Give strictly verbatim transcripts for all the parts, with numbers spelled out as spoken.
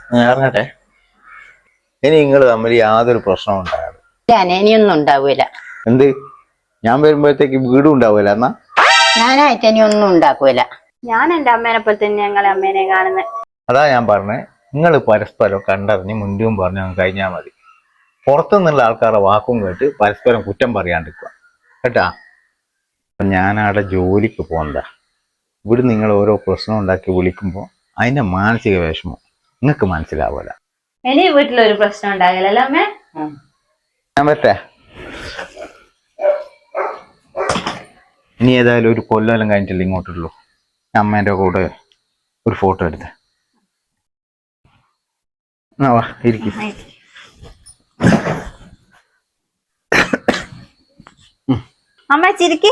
ഇറങ്ങട്ടെ. ഇനി നിങ്ങൾ തമ്മിൽ യാതൊരു പ്രശ്നവും ഉണ്ടാകാതെ. ഇനിയൊന്നും ഉണ്ടാവൂല. എന്ത്? ഞാൻ വരുമ്പോഴത്തേക്ക് വീടും ഉണ്ടാവൂല എന്നാ? ഞാനായിട്ട് ഇനി ഒന്നും ഉണ്ടാക്കൂല. ഞാൻ എന്റെ അമ്മേനെ പോലെ തന്നെ ഞങ്ങളെ അമ്മേനെ കാണുന്നത്. അതാ ഞാൻ പറഞ്ഞേ, നിങ്ങൾ പരസ്പരം കണ്ടറിഞ്ഞ് മുൻപും പറഞ്ഞു കഴിഞ്ഞാൽ മതി. പുറത്തുനിന്നുള്ള ആൾക്കാരുടെ വാക്കും കേട്ട് പരസ്പരം കുറ്റം പറയാണ്ടിരിക്കുക കേട്ടാ. അപ്പം ഞാനവിടെ ജോലിക്ക് പോകുന്നതാ. ഇവിടെ നിങ്ങൾ ഓരോ പ്രശ്നം ഉണ്ടാക്കി വിളിക്കുമ്പോൾ അതിൻ്റെ മാനസിക വിഷമം നിങ്ങൾക്ക് മനസ്സിലാവൂല. ഇനി വീട്ടിലൊരു പ്രശ്നം ഉണ്ടാകില്ലല്ലോ അമ്മേ? ഞാൻ പറ്റേ ഇനി ഏതായാലും ഒരു കൊല്ലം കഴിഞ്ഞിട്ടില്ല ഇങ്ങോട്ടുള്ളൂ. അമ്മേൻ്റെ കൂടെ ഒരു ഫോട്ടോ എടുത്ത് വാ ഇരിക്കും. അമ്മ ചിരിക്ക്.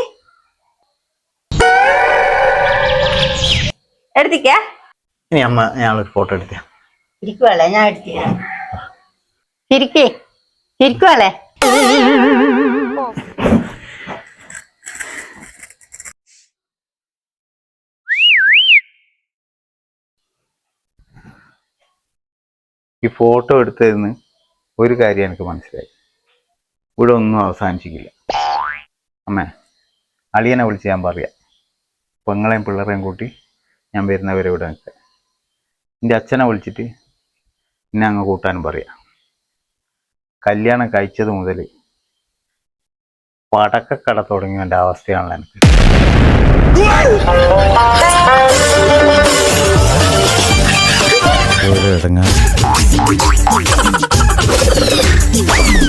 എടുത്തിക്കേ. ഇനി അമ്മ ഞാനൊരു ഫോട്ടോ എടുത്തേ. ഇരിക്കുവല്ലേ, ഞാൻ എടുത്തില്ല. ചിരിക്കേ, ചിരിക്കുവല്ലേ. ഈ ഫോട്ടോ എടുത്തതിന് ഒരു കാര്യം എനിക്ക് മനസ്സിലായി, ഇവിടെ ഒന്നും അവസാനിച്ചിട്ടില്ല. അമ്മേ, അളിയനെ വിളിച്ച് ഞാൻ പറയാം, പെങ്ങളെയും പിള്ളേരെയും കൂട്ടി ഞാൻ വരുന്നവരെ ഇവിടെ നിൽക്കാം. എൻ്റെ അച്ഛനെ വിളിച്ചിട്ട് എന്നെ അങ്ങ് കൂട്ടാനും പറയാം. കല്യാണം കഴിച്ചത് മുതൽ പടക്കക്കട തുടങ്ങിയതിൻ്റെ അവസ്ഥയാണല്ലോ എനിക്ക്.